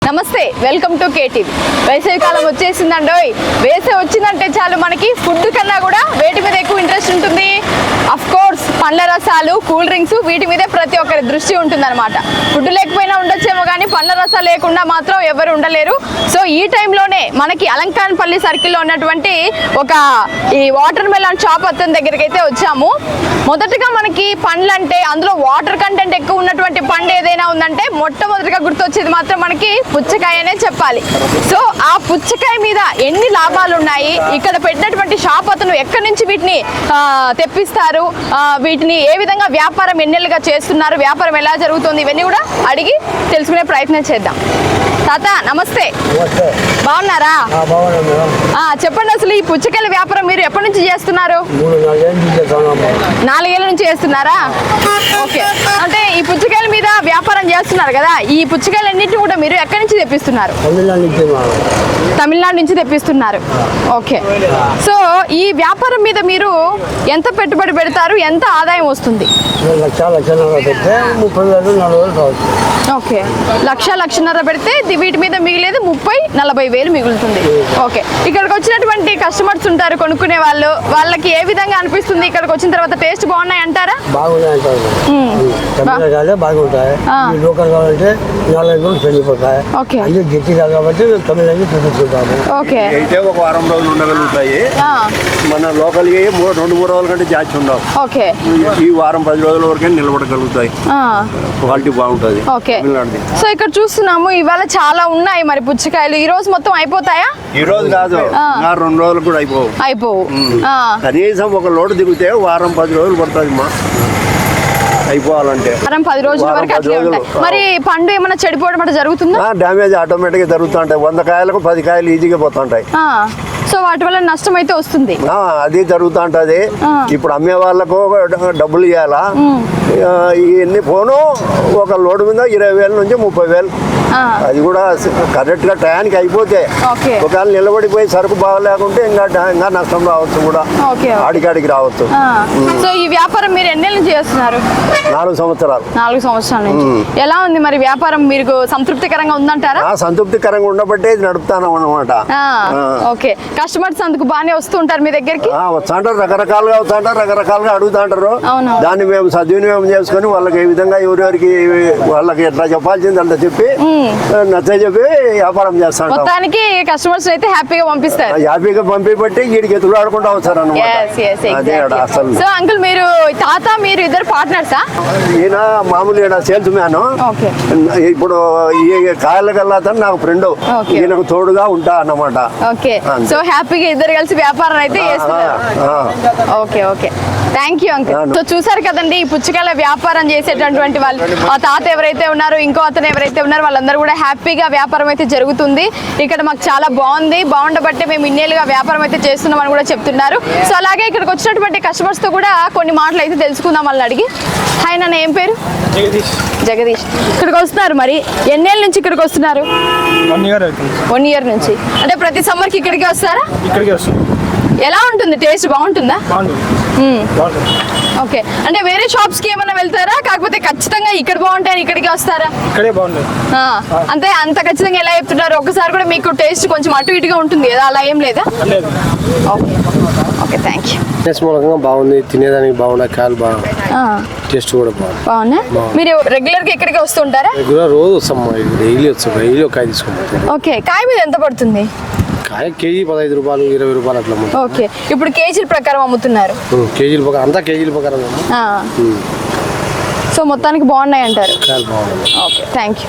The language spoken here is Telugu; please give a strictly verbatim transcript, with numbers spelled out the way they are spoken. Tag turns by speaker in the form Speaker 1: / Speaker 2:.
Speaker 1: నమస్తే, వెల్కమ్ టు కేటీవీ. వేసవి కాలం వచ్చేసిందండోయ్. వేసవి వచ్చిందంటే చాలు మనకి ఫుడ్ కన్నా కూడా వేటి మీద ఎక్కువ ఇంట్రెస్ట్ ఉంటుంది. అఫ్ కోర్స్ పండ్ల రసాలు, కూల్ డ్రింక్స్, వీటి మీదే ప్రతి ఒక్కరి దృష్టి ఉంటుందన్నమాట. ఫుడ్ లేకపోయినా ఉండొచ్చేమో కానీ పండ్ల రసాలు లేకుండా మాత్రం ఎవరు ఉండలేరు. సో ఈ టైంలోనే మనకి అలంకాన్పల్లి సర్కిల్లో ఉన్నటువంటి ఒక ఈ వాటర్ మెలాన్ షాప్ అతని దగ్గరికి అయితే వచ్చాము. మొదటగా మనకి పండ్లు అంటే అందులో వాటర్ కంటెంట్ ఎక్కువ ఉన్నటువంటి పండు ఏదైనా ఉందంటే మొట్టమొదటిగా గుర్తొచ్చేది మాత్రం మనకి పుచ్చకాయనే చెప్పాలి. సో ఆ పుచ్చకాయ మీద ఎన్ని లాభాలు ఉన్నాయి, ఇక్కడ పెట్టినటువంటి షాప్ అతను ఎక్కడి నుంచి వీటిని తెప్పిస్తారు, వీటిని ఏ విధంగా వ్యాపారం ఎన్నెలుగా చేస్తున్నారు, వ్యాపారం ఎలా జరుగుతుంది, ఇవన్నీ కూడా అడిగి తెలుసుకునే ప్రయత్నం చేద్దాం. తాత నమస్తే, బాగున్నారా? చెప్పండి, అసలు ఈ పుచ్చకాయల వ్యాపారం మీరు ఎప్పటి నుంచి చేస్తున్నారు? నాలుగేళ్ల నుంచి చేస్తున్నారా? ఓకే, అంటే ఈ పుచ్చకాయల మీద వ్యాపారం చేస్తున్నారు కదా, ఈ పుచ్చకాయలన్నింటినీ కూడా మీరు ఎక్కడి నుంచి తెప్పిస్తున్నారు? తమిళనాడు నుంచి తెప్పిస్తున్నారు. ఓకే, సో ఈ వ్యాపారం మీద మీరు ఎంత పెట్టుబడి పెడతారు, ఎంత ఆదాయం వస్తుంది? ఓకే, లక్ష లక్షన్నర పెడితే వీటి మీద మిగిలేదు ముప్పై నలభై వేలు మిగులుతుంది. ఓకే, ఇక్కడికి వచ్చినటువంటి కస్టమర్స్ ఉంటారు, కొనుక్కునే వాళ్ళు, వాళ్ళకి ఏ విధంగా అనిపిస్తుంది ఇక్కడికి వచ్చిన తర్వాత? టేస్ట్ బాగున్నాయి అంటారా?
Speaker 2: అయితే ఒక వారం రోజులు ఉండగలుగుతాయి. మన లోకల్ రెండు మూడు రోజుల కంటే జాచి ఉండవు.
Speaker 1: ఓకే,
Speaker 2: ఈ వారం పది రోజుల వరకే నిలబడగలుగుతాయి. క్వాలిటీ బాగుంటది.
Speaker 1: ఓకే, సో ఇక్కడ చూస్తున్నాము ఇవాళ చాలా ఉన్నాయి మరి పుచ్చకాయలు. ఈ రోజు మొత్తం అయిపోతాయా?
Speaker 2: ఈ రోజు కాదు, రెండు రోజులు కూడా అయిపోవు.
Speaker 1: అయిపోవు
Speaker 2: కనీసం ఒక లోటు దిగితే వారం పది రోజులు పడుతుంది మా అయిపోవాలంటే.
Speaker 1: వారం పది రోజుల వరకు అట్లే ఉంటాయి. మరి పండు ఏమైనా చెడిపోవడం అంటే జరుగుతుందా?
Speaker 2: డ్యామేజ్ ఆటోమేటిక్ గా జరుగుతుంటాయి. వంద కాయలకు పది కాయలు ఈజీగా పోతుంటాయి.
Speaker 1: సో వాటి వల్ల నష్టం అయితే వస్తుంది.
Speaker 2: అది జరుగుతుంటది. ఇప్పుడు అమ్మే వాళ్ళకు డబ్బులు ఇవ్వాలా, ఇవన్నీ పోను ఒక లోడు మీద ఇరవై వేల నుంచి ముప్పై వేలు. అది కూడా కరెక్ట్ గా టయానికి అయిపోతే, ఒకవేళ నిలబడిపోయి సరుకు బాగలేకుంటే ఇంకా ఇంకా నష్టం రావచ్చు, కూడా ఆడికాడికి రావచ్చు.
Speaker 1: సో ఈ వ్యాపారం మీరు ఎన్ని నుంచి చేస్తున్నారు?
Speaker 2: నాలుగు సంవత్సరాలు.
Speaker 1: నాలుగు సంవత్సరాల నుంచి. ఎలా ఉంది మరి వ్యాపారం? మీకు సంతృప్తికరంగా ఉందంటారా?
Speaker 2: సంతృప్తికరంగా ఉండబట్టే ఇది నడుపుతాను అన్నమాట.
Speaker 1: ఓకే, కస్టమర్స్ అందుకు బాగానే వస్తూ ఉంటారు మీ దగ్గరికి?
Speaker 2: వస్తుంటారు, రకరకాలుగా వస్తుంటారు, రకరకాలుగా అడుగుతుంటారు. దాన్ని మేము సద్వినియోగం చేసుకుని వాళ్ళకి ఏ విధంగా ఎవరెవరికి వాళ్ళకి ఎట్లా చెప్పాల్సింది అంత చెప్పి నచ్చ చెప్పి వ్యాపారం చేస్తాం.
Speaker 1: మొత్తానికి కస్టమర్స్ అయితే హ్యాపీగా పంపిస్తారు.
Speaker 2: హ్యాపీగా పంపి బట్టి వీడికి ఎదురు ఆడుకుంటూ వస్తారు అన్నమాట. అసలు
Speaker 1: సో అంకుల్, మీరు తాత మీరు ఇద్దరు పార్ట్నర్సా?
Speaker 2: ఈయన మామూలు ఈయన సేల్స్ మ్యాన్. ఇప్పుడు ఈ కాయల కల్లా నాకు ఫ్రెండ్, ఈయనకు తోడుగా ఉంటా అన్నమాట.
Speaker 1: ఓకే, సో హ్యాపీగా ఇద్దరు కలిసి వ్యాపారం అయితే చేస్తున్నారు. Okay okay, thank you uncle. So చూసారు కదండి, ఈ పుచ్చకాయల వ్యాపారం చేసేటటువంటి వాళ్ళు, ఆ తాత ఎవరైతే ఉన్నారో, ఇంకో అతను ఎవరైతే ఉన్నారో, వాళ్ళందరూ కూడా హ్యాపీగా వ్యాపారం అయితే జరుగుతుంది. ఇక్కడ మాకు చాలా బాగుంది, బాగుండబట్టే మేము ఇన్నేళ్ళుగా వ్యాపారం అయితే చేస్తున్నామని కూడా చెప్తున్నారు. సో అలాగే ఇక్కడికి వచ్చినటువంటి కస్టమర్స్ తో కూడా కొన్ని మాటలు అయితే తెలుసుకుందాం వాళ్ళని అడిగి. హాయ్ నాన్న, ఏం పేరు?
Speaker 3: జగదీష్.
Speaker 1: జగదీష్, ఇక్కడికి వస్తున్నారు మరి ఎన్నేళ్ళ నుంచి ఇక్కడికి వస్తున్నారు?
Speaker 3: వన్ ఇయర్ అవుతుంది.
Speaker 1: వన్ ఇయర్ నుంచి. అంటే ప్రతి సమ్మర్కి ఇక్కడికి వస్తారా?
Speaker 3: ఇక్కడికి వస్తాం.
Speaker 1: ఎలా ఉంటుంది? టేస్ట్ బాగుంటుందా?
Speaker 3: బాగుంటుంది.
Speaker 1: ఓకే, అంటే వేరే షాప్స్ కి ఏమైనా వెళ్తారా, కాకపోతే ఖచ్చితంగా ఇక్కడ బాగుంటాయని ఇక్కడికి వస్తారా?
Speaker 3: ఇక్కడే బాగుంటుంది.
Speaker 1: అంతే, అంత ఖచ్చితంగా ఎలా చెప్తున్నారు? ఒకసారి కూడా మీకు టేస్ట్ కొంచెం అటు ఇటుగా ఉంటుంది కదా, అలా ఏం లేదా? Okay okay, thank you.
Speaker 4: మూలంగా బాగుంది, తినేదానికి బాగున్నాయి, కాయలు బాగా, టేస్ట్ కూడా బాగుంది.
Speaker 1: బాగున్నా? మీరు రెగ్యులర్ గా ఇక్కడికి వస్తుంటారా?
Speaker 4: రెగ్యులర్ రోజు వస్తాం, డైలీ వస్తాం, డైలీ ఒక కాయ తీసుకుంటాం.
Speaker 1: ఓకే, కాయ మీద ఎంత పడుతుంది?
Speaker 4: కాయ కేజీ పదహైదు రూపాయలు, ఇరవై రూపాయలు అట్లా.
Speaker 1: ఓకే, ఇప్పుడు కేజీల ప్రకారం అమ్ముతున్నారు?
Speaker 4: కేజీల ప్రకారం, అంతా కేజీల ప్రకారం.
Speaker 1: సో మొత్తానికి బాగున్నాయి అంటారు?
Speaker 4: కాయలు బాగున్నాయి.
Speaker 1: Okay, thank you.